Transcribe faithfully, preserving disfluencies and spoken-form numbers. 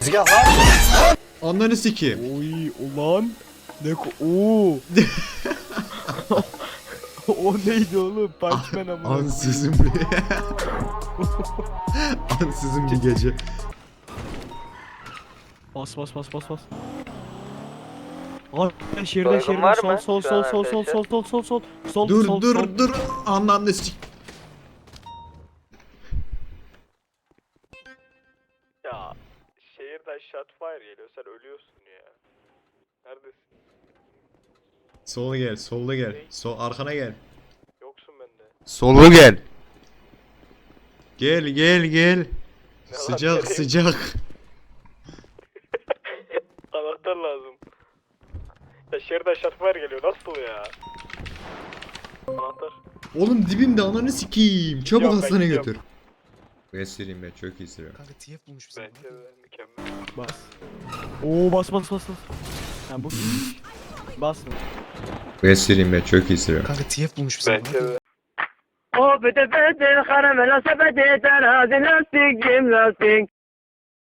Tezgah var. Ananı sikeyim. Oy ulan. Ne ko... Oo. O neydi oğlum? Punchman amına. Ansızın bir... Ansızın bir gece. Bas bas bas bas bas. Abi şeride Baygın şeride var sol mı sol şu sol an sol sol arkadaşlar? sol sol sol sol Dur sol dur sol. dur. Ananı sik... Ya şehirden shotfire geliyor, sen ölüyorsun ya. Neredesin? Sola gel, solda gel. Sol arkana gel. Yoksun bende. Solu gel. Gel gel gel. lan, Sıcak nereye? sıcak. Anahtar lazım. Ya şehirden shotfire geliyor, nasıl ya? Anahtar. Oğlum dibimde ananı sikeyim. Çabuk Yok, ben hastaneye gidiyorum. götür. Ben süreyim ben çok iyi sürüyorum. Kanka T F bulmuş bize. Bence de mükemmel. Bas. Oo bas bas bas bas. Ha bu. Bas mı? Ben süreyim ben çok iyi sürüyorum. Kanka T F bulmuş bize. Bence de. O bete bete karamela sepeti terazi lastik cim lastik